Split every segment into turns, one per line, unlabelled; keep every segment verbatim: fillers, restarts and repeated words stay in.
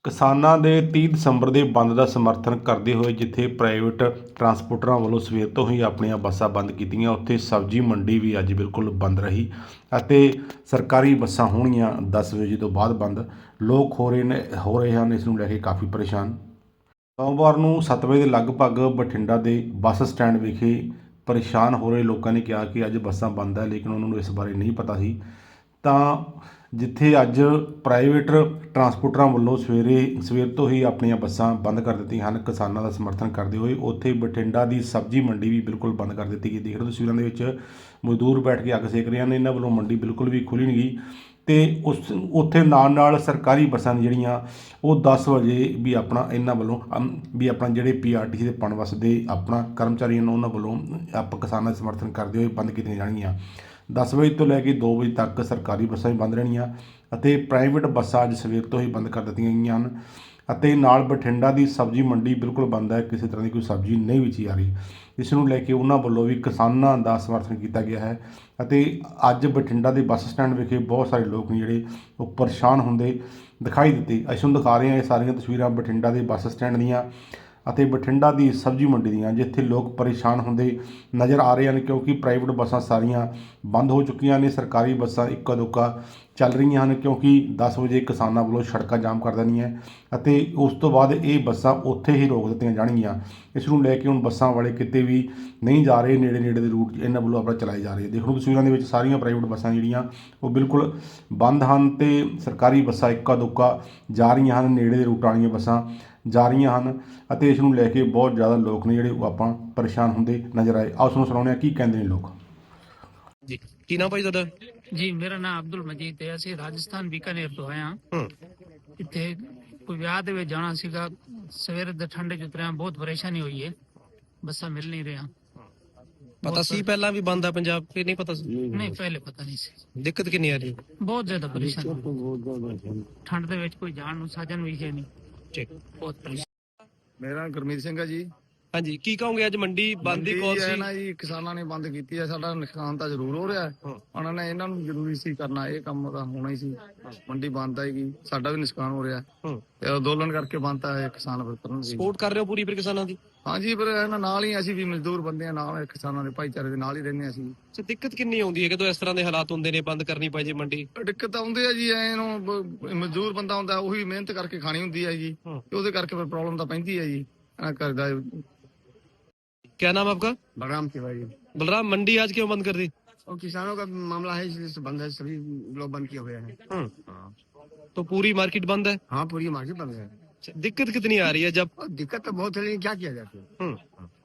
ਕਿਸਾਨਾਂ ਦੇ ਤੀਹ ਦਸੰਬਰ ਦੇ ਬੰਦ ਦਾ ਸਮਰਥਨ ਕਰਦੇ ਹੋਏ ਜਿੱਥੇ ਪ੍ਰਾਈਵੇਟ ਟਰਾਂਸਪੋਰਟਰਾਂ ਵੱਲੋਂ ਸਵੇਰ ਤੋਂ ਹੀ ਆਪਣੀਆਂ ਬੱਸਾਂ ਬੰਦ ਕੀਤੀਆਂ, ਉੱਥੇ ਸਬਜ਼ੀ ਮੰਡੀ ਵੀ ਅੱਜ ਬਿਲਕੁਲ ਬੰਦ ਰਹੀ ਅਤੇ ਸਰਕਾਰੀ ਬੱਸਾਂ ਹੋਣਗੀਆਂ ਦਸ ਵਜੇ ਤੋਂ ਬਾਅਦ ਬੰਦ। ਲੋਕ ਹੋ ਰਹੇ ਨੇ ਹੋ ਰਹੇ ਹਨ ਇਸ ਨੂੰ ਲੈ ਕੇ ਕਾਫੀ ਪਰੇਸ਼ਾਨ। ਸੋਮਵਾਰ ਨੂੰ ਸੱਤ ਵਜੇ ਦੇ ਲਗਭਗ ਬਠਿੰਡਾ ਦੇ ਬੱਸ ਸਟੈਂਡ ਵਿਖੇ ਪਰੇਸ਼ਾਨ ਹੋ ਰਹੇ ਲੋਕਾਂ ਨੇ ਕਿਹਾ ਕਿ ਅੱਜ ਬੱਸਾਂ ਬੰਦ ਹੈ, ਲੇਕਿਨ ਉਹਨਾਂ ਨੂੰ ਇਸ ਬਾਰੇ ਨਹੀਂ ਪਤਾ ਸੀ। ਤਾਂ ਜਿੱਥੇ ਅੱਜ ਪ੍ਰਾਈਵੇਟ ਟਰਾਂਸਪੋਰਟਰਾਂ ਵੱਲੋਂ ਸਵੇਰੇ ਸਵੇਰ ਤੋਂ ਹੀ ਆਪਣੀਆਂ ਬੱਸਾਂ ਬੰਦ ਕਰ ਦਿੱਤੀਆਂ ਹਨ ਕਿਸਾਨਾਂ ਦਾ ਸਮਰਥਨ ਕਰਦੇ ਹੋਏ, ਉੱਥੇ ਬਠਿੰਡਾ ਦੀ ਸਬਜ਼ੀ ਮੰਡੀ ਵੀ ਬਿਲਕੁਲ ਬੰਦ ਕਰ ਦਿੱਤੀ ਗਈ। ਦੇਖ ਰਹੇ ਹੋ ਤਸਵੀਰਾਂ ਦੇ ਵਿੱਚ ਮਜ਼ਦੂਰ ਬੈਠ ਕੇ ਅੱਗ ਸੇਕ ਰਹੇ ਹਨ। ਇਹਨਾਂ ਵੱਲੋਂ ਮੰਡੀ ਬਿਲਕੁਲ ਵੀ ਖੁੱਲ੍ਹੀ ਨਹੀਂ ਗਈ ਅਤੇ ਉਸ ਉੱਥੇ ਨਾਲ ਨਾਲ ਸਰਕਾਰੀ ਬੱਸਾਂ ਜਿਹੜੀਆਂ ਉਹ ਦਸ ਵਜੇ ਵੀ ਆਪਣਾ ਇਹਨਾਂ ਵੱਲੋਂ ਵੀ ਆਪਣਾ ਜਿਹੜੇ ਪੀ ਆਰ ਟੀ ਸੀ ਦੇ ਪਨਬੱਸ ਦੇ ਆਪਣਾ ਕਰਮਚਾਰੀਆਂ ਨੂੰ ਉਹਨਾਂ ਵੱਲੋਂ ਆਪ ਕਿਸਾਨਾਂ ਦਾ ਸਮਰਥਨ ਕਰਦੇ ਹੋਏ ਬੰਦ ਕੀਤੀਆਂ ਜਾਣਗੀਆਂ। ਦਸ ਵਜੇ ਤੋਂ ਲੈ ਕੇ ਦੋ ਵਜੇ ਤੱਕ ਸਰਕਾਰੀ ਬੱਸਾਂ ਵੀ ਬੰਦ ਰਹਿਣੀਆਂ ਅਤੇ ਪ੍ਰਾਈਵੇਟ ਬੱਸਾਂ ਅੱਜ ਸਵੇਰ ਤੋਂ ਹੀ ਬੰਦ ਕਰ ਦਿੱਤੀਆਂ ਗਈਆਂ ਹਨ ਅਤੇ ਨਾਲ ਬਠਿੰਡਾ ਦੀ ਸਬਜ਼ੀ ਮੰਡੀ ਬਿਲਕੁਲ ਬੰਦ ਹੈ, ਕਿਸੇ ਤਰ੍ਹਾਂ ਦੀ ਕੋਈ ਸਬਜ਼ੀ ਨਹੀਂ ਵੇਚੀ ਜਾ ਰਹੀ। ਇਸ ਨੂੰ ਲੈ ਕੇ ਉਹਨਾਂ ਵੱਲੋਂ ਵੀ ਕਿਸਾਨਾਂ ਦਾ ਸਮਰਥਨ ਕੀਤਾ ਗਿਆ ਹੈ ਅਤੇ ਅੱਜ ਬਠਿੰਡਾ ਦੇ ਬੱਸ ਸਟੈਂਡ ਵਿਖੇ ਬਹੁਤ ਸਾਰੇ ਲੋਕ ਨੇ ਜਿਹੜੇ ਉਹ ਪਰੇਸ਼ਾਨ ਹੁੰਦੇ ਦਿਖਾਈ ਦਿੱਤੇ। ਅਸੀਂ ਤੁਹਾਨੂੰ ਦਿਖਾ ਰਹੇ ਹਾਂ ਇਹ ਸਾਰੀਆਂ ਤਸਵੀਰਾਂ ਬਠਿੰਡਾ ਦੇ ਬੱਸ ਸਟੈਂਡ ਦੀਆਂ ਅਤੇ ਬਠਿੰਡਾ ਦੀ ਸਬਜ਼ੀ ਮੰਡੀ ਦੀਆਂ, ਜਿੱਥੇ ਲੋਕ ਪਰੇਸ਼ਾਨ ਹੁੰਦੇ ਨਜ਼ਰ ਆ ਰਹੇ ਹਨ ਕਿਉਂਕਿ ਪ੍ਰਾਈਵੇਟ ਬੱਸਾਂ ਸਾਰੀਆਂ ਬੰਦ ਹੋ ਚੁੱਕੀਆਂ ਨੇ। ਸਰਕਾਰੀ ਬੱਸਾਂ ਇੱਕਾ ਦੁੱਕਾ ਚੱਲ ਰਹੀਆਂ ਹਨ ਕਿਉਂਕਿ ਦਸ ਵਜੇ ਕਿਸਾਨਾਂ ਵੱਲੋਂ ਸੜਕਾਂ ਜਾਮ ਕਰ ਦੇਣੀਆਂ ਅਤੇ ਉਸ ਤੋਂ ਬਾਅਦ ਇਹ ਬੱਸਾਂ ਉੱਥੇ ਹੀ ਰੋਕ ਦਿੱਤੀਆਂ ਜਾਣਗੀਆਂ। ਇਸ ਨੂੰ ਲੈ ਕੇ ਹੁਣ ਬੱਸਾਂ ਵਾਲੇ ਕਿਤੇ ਵੀ ਨਹੀਂ ਜਾ ਰਹੇ, ਨੇੜੇ ਨੇੜੇ ਦੇ ਰੂਟ ਇਹਨਾਂ ਵੱਲੋਂ ਆਪਣਾ ਚਲਾਏ ਜਾ ਰਹੇ। ਦੇਖੋ ਤਸਵੀਰਾਂ ਦੇ ਵਿੱਚ ਸਾਰੀਆਂ ਪ੍ਰਾਈਵੇਟ ਬੱਸਾਂ ਜਿਹੜੀਆਂ ਉਹ ਬਿਲਕੁਲ ਬੰਦ ਹਨ ਅਤੇ ਸਰਕਾਰੀ ਬੱਸਾਂ ਇੱਕਾ ਦੁੱਕਾ ਜਾ ਰਹੀਆਂ ਹਨ, ਨੇੜੇ ਦੇ ਰੂਟਾਂ ਵਾਲੀਆਂ ਬੱਸਾਂ ਜਾ ਰਹੀਆਂ ਹਨ ਅਤੇ ਇਸ ਨੂੰ ਲੈ ਕੇ ਬਹੁਤ ਜ਼ਿਆਦਾ ਲੋਕ ਨੇ ਜਿਹੜੇ ਉਹ ਆਪਾਂ ਪਰੇਸ਼ਾਨ ਹੁੰਦੇ ਨਜ਼ਰ ਆਏ। ਆਓ ਤੁਹਾਨੂੰ ਸੁਣਾਉਂਦੇ ਹਾਂ ਕੀ ਕਹਿੰਦੇ ਨੇ ਲੋਕ।
ਜੀ ਕੀ ਨਾਮ ਭਾਈ ਤੁਹਾਡਾ?
ਜੀ ਮੇਰਾ ਨਾਮ ਅਬਦੁਲ ਮਜੀਦ ਹੈ। ਅਸੀਂ ਰਾਜਸਥਾਨ ਬੀਕਾਨੇਰ ਤੋਂ ਆਏ ਹਾਂ। ਇੱਥੇ ਕੋਈ ਵਿਆਹ ਦੇ ਵਿੱਚ ਜਾਣਾ ਸੀਗਾ, ਸਵੇਰ ਦੇ ਠੰਡੇ ਚ ਉਤਰਿਆ, ਬਹੁਤ ਪਰੇਸ਼ਾਨੀ ਹੋਈ ਹੈ, ਬੱਸਾਂ ਮਿਲ ਨਹੀਂ ਰਹੀਆਂ।
ਪਤਾ ਸੀ ਪਹਿਲਾਂ ਵੀ ਬੰਦ ਆ ਪੰਜਾਬ ਕਿ ਨਹੀਂ ਪਤਾ ਸੀ?
ਨਹੀਂ, ਪਹਿਲੇ ਪਤਾ ਨਹੀਂ ਸੀ।
ਦਿੱਕਤ ਕਿੰਨੀ ਆ ਰਹੀ?
ਬਹੁਤ ਜ਼ਿਆਦਾ ਪਰੇਸ਼ਾਨੀ, ਠੰਡ ਦੇ ਵਿੱਚ ਕੋਈ ਜਾਣ ਨੂੰ ਸਾਧਨ ਵੀ ਹੈ ਨਹੀਂ।
ਠੀਕ,
ਬਹੁਤ ਪਰੇਸ਼ਾਨੀ।
ਮੇਰਾ ਗੁਰਮੀਤ ਸਿੰਘ ਹੈ ਜੀ।
ਹਾਂਜੀ ਕੀ ਕਹੋਗੇ ਅੱਜ ਮੰਡੀ ਬੰਦ ਦੀ ਕੌਲ
ਹੈ
ਸੀ?
ਨਾ ਜੀ, ਕਿਸਾਨਾਂ ਨੇ ਬੰਦ ਕੀਤੀ ਹੈ। ਸਾਡਾ ਨੁਕਸਾਨ ਤਾਂ ਜ਼ਰੂਰ ਹੋ ਰਿਹਾ, ਉਹਨਾਂ ਨੇ ਇਹਨਾਂ ਨੂੰ ਜ਼ਰੂਰੀ ਸੀ ਕਰਨਾ, ਇਹ ਕੰਮ ਤਾਂ ਹੋਣਾ ਹੀ ਸੀ। ਮੰਡੀ ਬੰਦ ਆਏਗੀ, ਸਾਡਾ ਵੀ ਨੁਕਸਾਨ ਹੋ ਰਿਹਾ ਤੇ ਅੰਦੋਲਨ ਕਰਕੇ ਬੰਦ ਆ ਕਿਸਾਨ ਫਿਰ ਕਰਨਗੇ।
ਸਪੋਰਟ ਕਰ ਰਹੇ ਹੋ ਪੂਰੀ ਫਿਰ ਕਿਸਾਨਾਂ ਦੀ?
ਹਾਂਜੀ, ਪਰ ਇਹਨਾਂ ਨਾਲ ਹੀ ਅਸੀਂ ਵੀ ਮਜ਼ਦੂਰ ਬੰਦੇ ਆ, ਨਾਲ ਕਿਸਾਨਾਂ ਦੇ ਭਾਈਚਾਰੇ ਦੇ ਨਾਲ ਹੀ ਰਹਿੰਦੇ ਅਸੀਂ।
ਤੇ ਦਿੱਕਤ ਕਿੰਨੀ ਆਉਂਦੀ ਹੈ ਜਦੋਂ ਇਸ ਤਰ੍ਹਾਂ ਦੇ ਹਾਲਾਤ ਹੁੰਦੇ ਨੇ, ਬੰਦ ਕਰਨੀ ਪੈ ਜੇ ਮੰਡੀ?
ਦਿੱਕਤ ਆਉਂਦੇ ਆ ਜੀ, ਇਹਨੂੰ ਮਜ਼ਦੂਰ ਬੰਦਾ ਹੁੰਦਾ ਉਹੀ ਮਿਹਨਤ ਕਰਕੇ ਖਾਣੀ ਹੁੰਦੀ ਹੈ ਜੀ, ਉਹਦੇ ਕਰਕੇ ਫਿਰ ਪ੍ਰੋਬਲਮ ਤਾਂ ਪੈਂਦੀ ਹੈ ਜੀ। ਕਰਦਾ
क्या नाम आपका?
बलराम तिवारी।
बलराम, मंडी आज क्यों बंद कर दी?
और किसानों का मामला है इसलिए बंद है, सभी लोग बंद किए हुए हैं।
तो पूरी मार्केट बंद है?
हाँ, पूरी मार्केट बंद है।
दिक्कत कितनी आ रही है जब?
दिक्कत तो बहुत है लेकिन क्या किया जाए।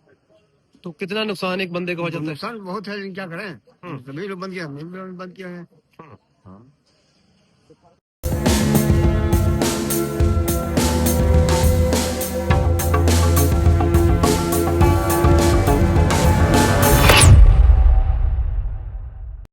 तो कितना नुकसान एक बंदे को हो जाता है?
नुकसान बहुत है लेकिन क्या करें, सभी लोग बंद किया, हम भी बंद किए हैं।